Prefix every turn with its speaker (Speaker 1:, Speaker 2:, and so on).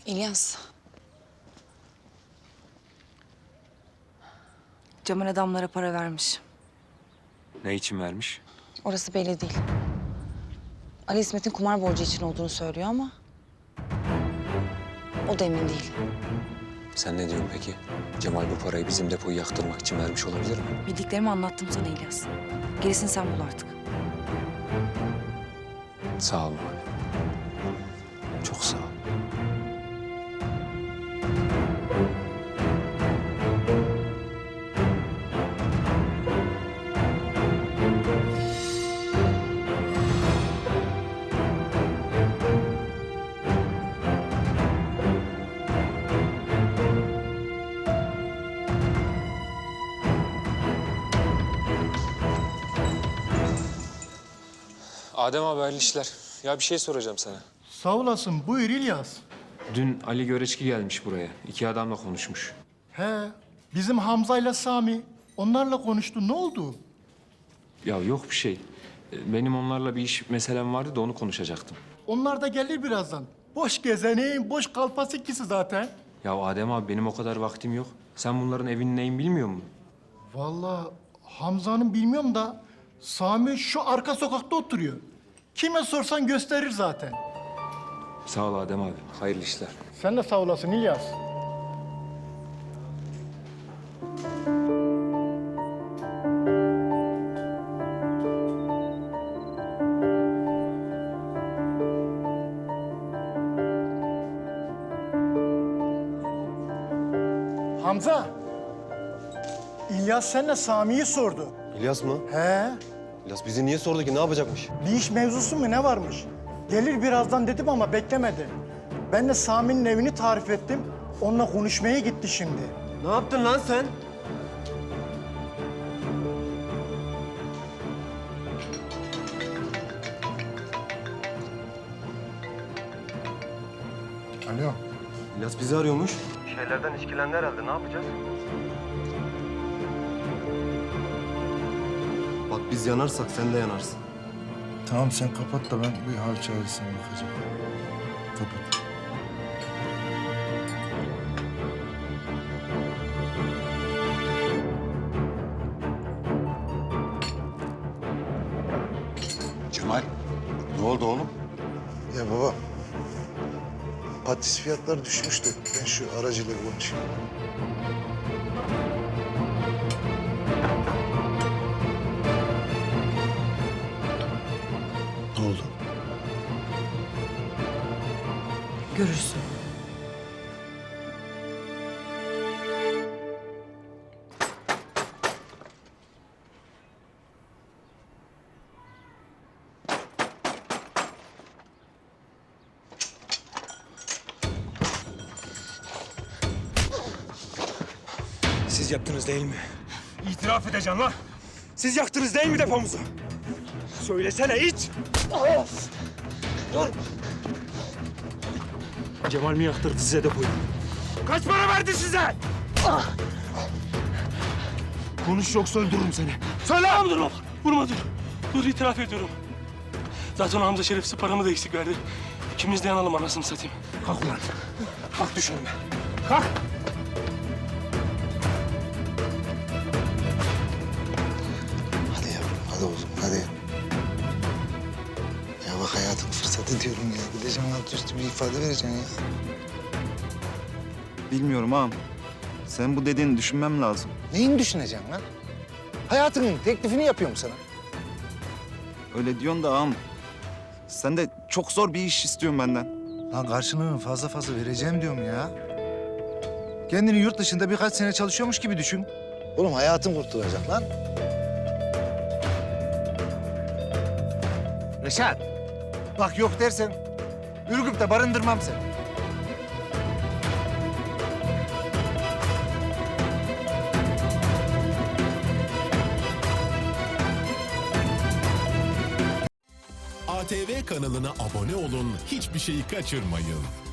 Speaker 1: İlyas. Cemal adamlara para vermiş.
Speaker 2: Ne için vermiş?
Speaker 1: Orası belli değil. Ali İsmet'in kumar borcu için olduğunu söylüyor ama... o da emin değil.
Speaker 2: Sen ne diyorsun peki? Cemal bu parayı bizim depoyu yaktırmak için vermiş olabilir mi?
Speaker 1: Bildiklerimi anlattım sana İlyas. Gerisini sen bul artık.
Speaker 2: Sağ ol abi. Çok sağ ol. Adem abi hayırlı işler. Ya bir şey soracağım sana.
Speaker 3: Sağ olasın. Buyur İlyas.
Speaker 2: Dün Ali Göreçki gelmiş buraya. 2 adamla konuşmuş.
Speaker 3: He, bizim Hamza'yla Sami. Onlarla konuştu. Ne oldu?
Speaker 2: Ya yok bir şey. Benim onlarla bir iş meselem vardı da onu konuşacaktım.
Speaker 3: Onlar da gelir birazdan. Boş gezenin, boş kalfası ikisi zaten.
Speaker 2: Ya Adem abi benim o kadar vaktim yok. Sen bunların evinin neyin bilmiyor musun?
Speaker 3: Vallahi Hamza'nın bilmiyorum da Sami şu arka sokakta oturuyor. Kime sorsan gösterir zaten.
Speaker 2: Sağ ol Adem abi. Hayırlı işler.
Speaker 3: Sen de sağ olasın İlyas. Hamza. İlyas seninle Sami'yi sordu.
Speaker 4: İlyas mı?
Speaker 3: He,
Speaker 4: İlyas bizi niye sordu ki? Ne yapacakmış?
Speaker 3: bir iş mevzusu mu ne varmış? Gelir birazdan dedim ama beklemedi. Ben de Sami'nin evini tarif ettim. Onunla konuşmaya gitti şimdi.
Speaker 4: Ne yaptın lan sen?
Speaker 3: Alo.
Speaker 4: İlyas bizi arıyormuş. Bir şeylerden işkilendi herhalde. Ne yapacağız? Bak biz yanarsak sen de yanarsın.
Speaker 5: Tamam sen kapat da ben bir hal çaresine bakacağım. Kapat.
Speaker 6: Cemal, ne oldu oğlum?
Speaker 5: Ya baba, patates fiyatları düşmüştü. Ben şu aracıyla konuşayım. Ne oldu?
Speaker 1: Görürsün.
Speaker 7: Siz yaptınız değil mi? İtiraf edeceğim lan. Siz yaktınız değil mi depomuzu? Söylesene it! Dur! Cemal mi yaktırdı size depoyu? Kaç para verdi size? Konuş yoksa öldürürüm seni. Söyle! Dur, vurma dur. Dur itiraf ediyorum. Zaten Hamza şerefsiz paramı da eksik verdi. İkimiz de yanalım anasını satayım. Kalk ulan. Kalk düş önüme. Kalk!
Speaker 5: Hadi yavrum, hadi oğlum, hadi. Ya bak hayatın fırsatı diyorum ya. Gideceksin alt üstü bir ifade vereceksin ya.
Speaker 8: Bilmiyorum ağam. Sen bu dediğini düşünmem lazım.
Speaker 5: Neyini düşüneceksin lan? Hayatının teklifini yapıyorum sana.
Speaker 8: Öyle diyorsun da ağam. Sen de çok zor bir iş istiyorsun benden.
Speaker 5: Lan karşılığını fazla fazla vereceğim diyorum ya. Kendini yurt dışında birkaç sene çalışıyormuş gibi düşün. Oğlum hayatın kurtulacak lan. Reşat, bak yok dersen Ürgüp'te barındırmam seni.
Speaker 9: ATV kanalına abone olun, hiçbir şeyi kaçırmayın.